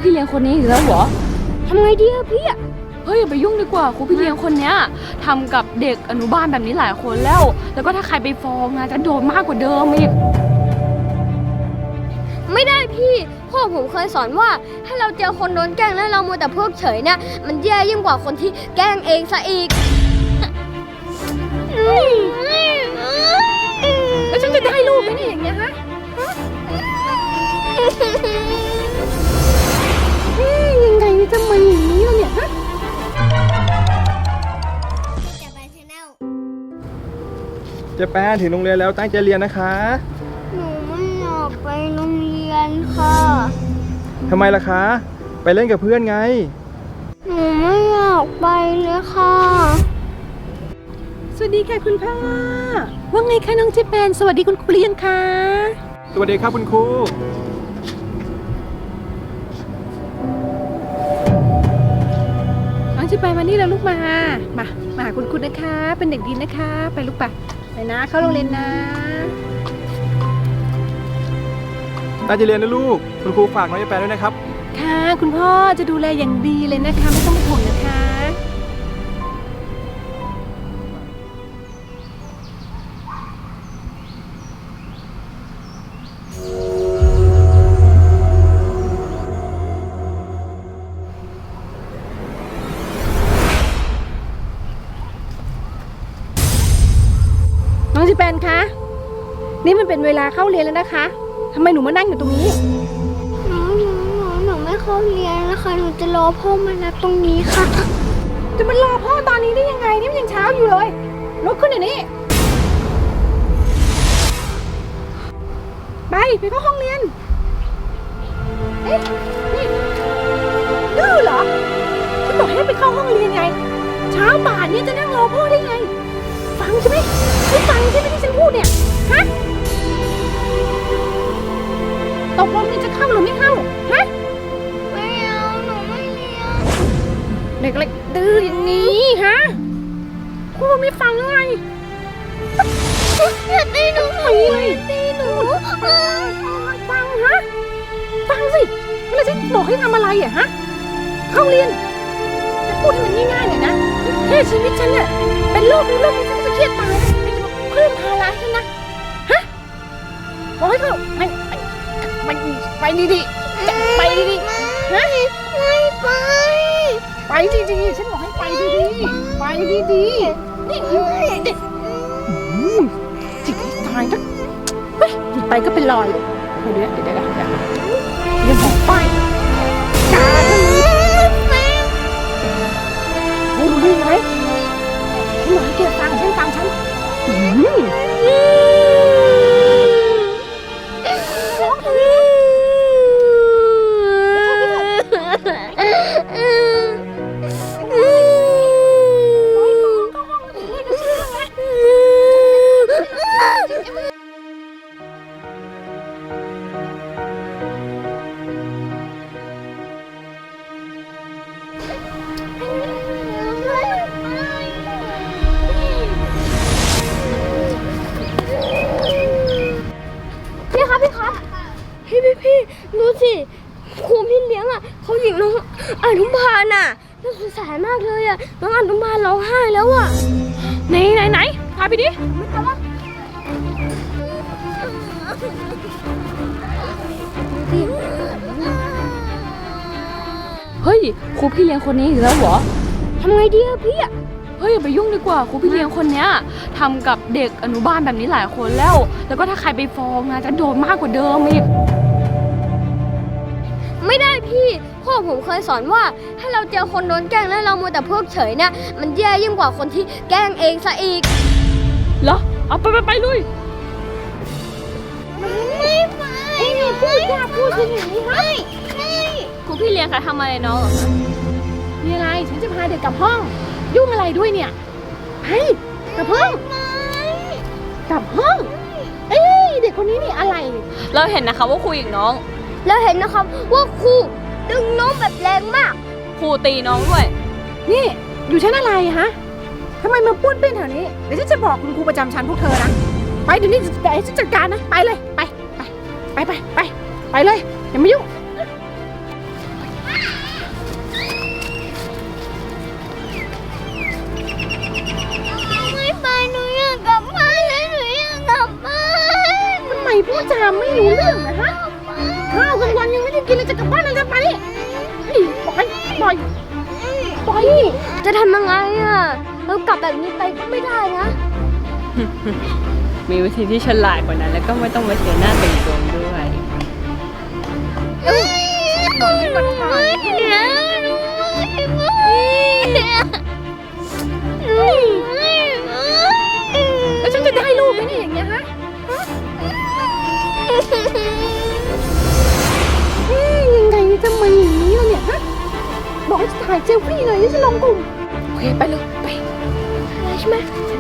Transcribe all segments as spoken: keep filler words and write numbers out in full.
พี่เลี้ยงคนนี้อีกแล้วเหรอทำไงดีอะพี่อะเฮ้ยอย่าไปยุ่งดีกว่าครูพี่เลี้ยงคนเนี้ยทำกับเด็กอนุบาลแบบนี้หลายคนแล้ว แล้วก็ถ้าใครไปฟ้องนะจะโดนมากกว่าเดิมอีกไม่ได้พี่พ่อผมเคยสอนว่าถ้าเราเจอคนโดนแกล้งแล้วเรามัวแต่เพิกเฉยเนี่ยมันแย่ยิ่งกว่าคนที่แกล้งเองซะอีกแล้วฉันจะได้ลูกไหมเนี่ยอย่างเงี้ยฮะยังไงจะมาอย่างนี้ล่ะเนี่ยฮะเจ๊แป้นถึงโรงเรียนแล้วตั้งใจเรียนนะคะหนูไม่อยากไปโรงเรียนค่ะทำไมล่ะคะ ไปเล่นกับเพื่อนไงหนูไม่อยากไปเลยค่ะสวัสดีค่ะคุณพ่อว่าไงคะน้องเจแปนสวัสดีคุณครูเรียนค่ะสวัสดีครับคุณครูน้องเจแปนมานี่แล้วลูกมามามาหาคุณครูนะคะเป็นเด็กดีนะคะไปลูกไปไปนะเข้าโรงเรียนนะตั้งใจเรียนนะลูกคุณครูฝากน้องเจ๊แป้นด้วยนะครับค่ะคุณพ่อจะดูแลอย่างดีเลยนะคะไม่ต้องห่วงนะคะน้องจิแปนคะนี่มันเป็นเวลาเข้าเรียนแล้วนะคะทำไมหนูมานั่งอยู่ตรงนี้หนูหนูหนูหนูไม่เข้าเรียนนะคะหนูจะรอพ่อมารับตรงนี้ค่ะจะมารอพ่อตอนนี้ได้ยังไงนี่มันยังเช้าอยู่เลยลุกขึ้นเดี๋ยวนี้ไปไปเข้าห้องเรียนเอ๊ะนี่ดื้อเหรอฉันบอกให้ไปเข้าห้องเรียนไงเช้าป่านนี้จะนั่งรอพ่อได้ไงฟังใช่ไหมไม่ฟังใช่ไหมที่ฉันพูดเนี่ยฮะตกลงนี่จะเข้าหรือไม่เข้าฮะไม่เอาหนูไม่เรียนเด็กเล็กดื้ออย่างนี้ฮะพูดไม่ฟังไงอย่าตีหนูหนูอย่าตีหนูฟังฮะฟังสิแล้วฉันบอกให้ทำอะไรอ่ะฮะเข้าเรียนจะพูดให้มันง่ายๆหน่อยนะแค่ชีวิตฉันเนี่ยเป็นโรคนี้โรคนี้ฉันจะเครียดตายเพิ่มภาระฉันนะฮะบอกให้เขาไปไปไปดีๆจะไปดีๆฮะไม่ไปไปดีๆฉันบอกให้ไปดีๆไปดีๆนี่เด็กจิตตายนะเฮ้ยไปก็เป็นรอยเดี๋ยวเดี๋ยวเดี๋ยวเดี๋ยวเดี๋ยวยังบอกไปกาทำไมรู้รู้ไหมฉันบอกให้แกฟังฉันฟังฉันอืมพี่ครับพี่ครับพี่พี่พี่ดูสิครูพี่เลี้ยงอ่ะเขาหญิงน้องอนุบาลน่ะน่าสงสารมากเลยอ่ะน้องอนุบาลร้องไห้แล้วอ่ะไหนไหนไหนพาไปดิเฮ้ยครูพี่เลี้ยงคนนี้อีกแล้วเหรอทำไงดีอะพี่อะเฮ้ยอย่าไปยุ่งดีกว่าครูพี่เลี้ยงคนเนี้ยทำกับเด็กอนุบาลแบบนี้หลายคนแล้ว แล้วก็ถ้าใครไปฟ้องนะจะโดนมากกว่าเดิมอีกไม่ได้พี่พ่อผมเคยสอนว่าถ้าเราเจอคนโดนแกล้งแล้วเรามัวแต่เพิกเฉยเนี่ยมันแย่ยิ่งกว่าคนที่แกล้งเองซะอีกเหรอเอาไปไปไปลุยไม่ไปไม่พูดยากพูดอย่างนี้ให้ครูพี่เลี้ยงคะทำอะไรน้องเหรอคะมีอะไรฉันจะพาเด็กกลับห้องยุ่งอะไรด้วยเนี่ยไปกลับห้องกลับห้องเอ้ยเด็กคนนี้นี่อะไรเราเห็นนะคะว่าครูอีกน้องแล้วเห็นนะครับว่าครูดึงน้องแบบแรงมากครูตีน้องด้วยนี่อยู่ชั้นอะไรฮะทำไมมาป้วนเปี้ยนแถวนี้เดี๋ยวฉันจะบอกคุณครูประจำชั้นพวกเธอนะไปเดี๋ยวนี้เดี๋ยวฉันจัดการนะไปเลยไปไปไปไปไปไปเลยอย่ามายุ่งจาไม่รู้เรื่องนะฮะข้าวกลางวันยังไม่ได้กินเลยจะกลับบ้านแล้วจะไปนี่ปล่อยปล่อยปล่อยจะทำยังไงอ่ะเรากลับแบบนี้ไปก็ไม่ได้นะมีวิธีที่ฉลาดกว่านั้น แล้วก็ไม่ต้องมาเสียหน้าเป็นโจรด้วยบอกให้มันผ่านแล้วฉันจะได้ลูกไหมเนี่ยอย่างเงี้ยฮะเอ๊ยยังไงจะมาอย่างนี้ล่ะเนี่ยฮะบอกให้ถ่ายเซลฟี่หน่อยที่จะลงกลุ่มโอเคไปเลยไปใช่ไหม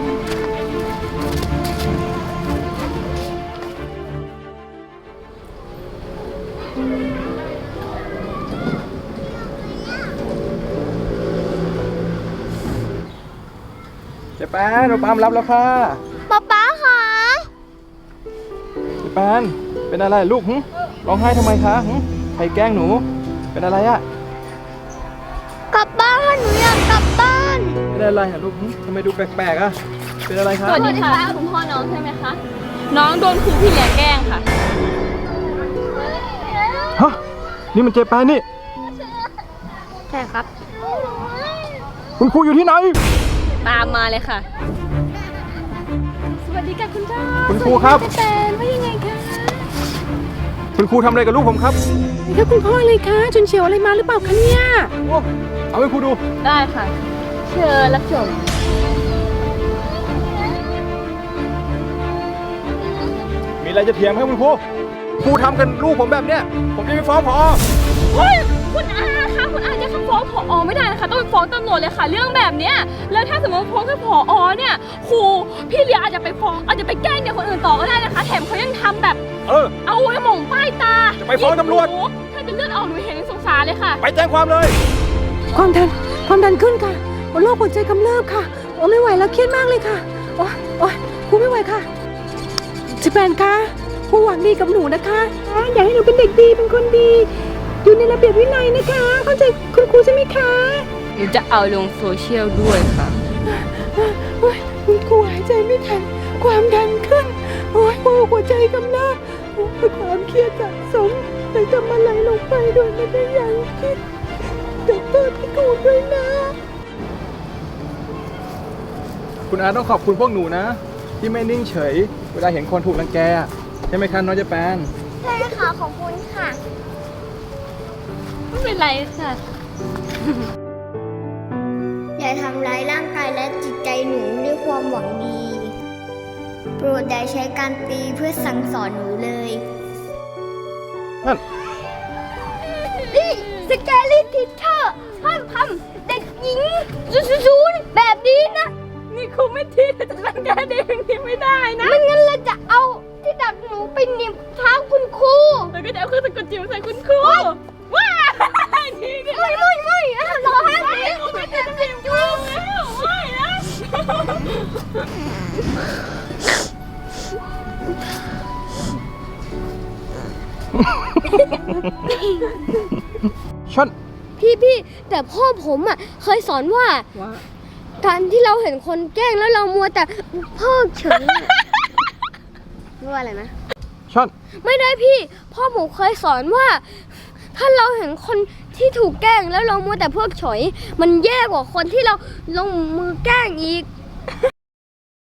เจ๊แปนเราปามรับแล้วค่ะป๊าป๊าคะเจ๊แปนเป็นอะไรลูกหึร้องไห้ทำไมคะหึใครแกล้งหนู เป็นอะไรอะกลับบ้านหนูอยากกลับบ้านเป็นอะไรอะลูกหึทำไมดูแปลกๆอะเป็นอะไรคะสวัสดีค่ะคุณพ่อน้องใช่ไหมคะ น้องโดนครูพี่เลี้ยงแกล้งค่ะฮะนี่มันเจ๊แปนนี่ใช่ครับคุณครูอยู่ที่ไหนตามมาเลยค่ะสวัสดีค่ะคุณพ่อคุณครูครับแตนว่ายังไงคะคุณครูทำอะไรกับลูกผมครับนี่ค่ะคุณพ่อเลยคะจนเฉียวอะไรมาหรือเปล่าคะเนี่ยโอ้เอาให้ครูดูได้ค่ะ เชิญรับชมมีอะไรจะเถียงไหมครับคุณครู ครูทำกันลูกผมแบบเนี้ย ผมจะไปฟ้องผอเฮ้ยคุณอาคะคุณอาจะฟ้องผอไม่ได้นะคะต้องไปฟ้องตำรวจเลยค่ะ เรื่องแบบเนี้ยแล้วถ้าสมมติฟ้องแค่ผอเนี่ยครูพี่เลี้ยงอาจจะไปฟ้องอาจจะไปแกล้งเด็กคนอื่นต่อก็ได้นะคะ แถมเขายังทำแบบเออเอาไว้หม่องป้ายตาจะไปฟ้องตำรวจหนูถ้าเป็นเลือดออกหนูเห็นยังสงสารเลยค่ะไปแจ้งความเลยความดันความดันขึ้นค่ะโรคหัวใจกำเริบค่ะโอ้ไม่ไหวแล้วเครียดมากเลยค่ะโอ้โอ้ครูไม่ไหวค่ะจิแปนคะครูหวังดีกับหนูนะคะอ่ะอยากให้หนูเป็นเด็กดีเป็นคนดี อยู่ในระเบียบวินัยนะคะ เข้าใจคุณครูใช่ไหมคะหนูจะเอาลงโซเชียลด้วยค่ะโอ้ยคุณครูหายใจไม่ทันความดันขึ้นโอ้ยโอ้หัวใจกำเริบโอ้ยความเครียดสะสมเลยทำอะไรลงไปโดยไม่ได้ยังคิดขอโทษพี่ครูด้วยนะคุณอาต้องขอบคุณพวกหนูนะ ที่ไม่นิ่งเฉย เวลาเห็นคนถูกรังแกใช่ไหมคะน้องเจ๊แปนใช่ค่ะขอบคุณค่ะไม่เป็นไรค่ะอย่าทำร้ายร่างกายและจิตใจหนูด้วยความหวังดี โปรดอย่าใช้การตีเพื่อสั่งสอนหนูเลยนั่นนี่สแกลี่ทิเชอร์ห้ามทำเด็กหญิงซูๆแบบนี้นะนี่ครูไม่ทีจะรังแกเด็กอย่างนี้ไม่ได้นะไม่งั้นเราจะเอาที่ดักหนูไปเหน็บเท้าคุณครูแล้วก็จะเอาเครื่องสะกดจิ๋วใส่คุณครูว้านี่ก็ไม่ไม่ไม่อ่ะรอให้หนูไม่เป็นจิ๋วแล้วไม่นะชันพี่พี่แต่พ่อผมอ่ะเคยสอนว่าว่าการที่เราเห็นคนแกล้งแล้วเรามัวแต่เพิกเฉยว่าอะไรนะชันไม่ได้พี่ พ่อผมเคยสอนว่า ถ้าเราเห็นคนที่ถูกแกล้งแล้วเรามัวแต่เพิกเฉย มันแย่กว่าคนที่เราลงมือแกล้งอีก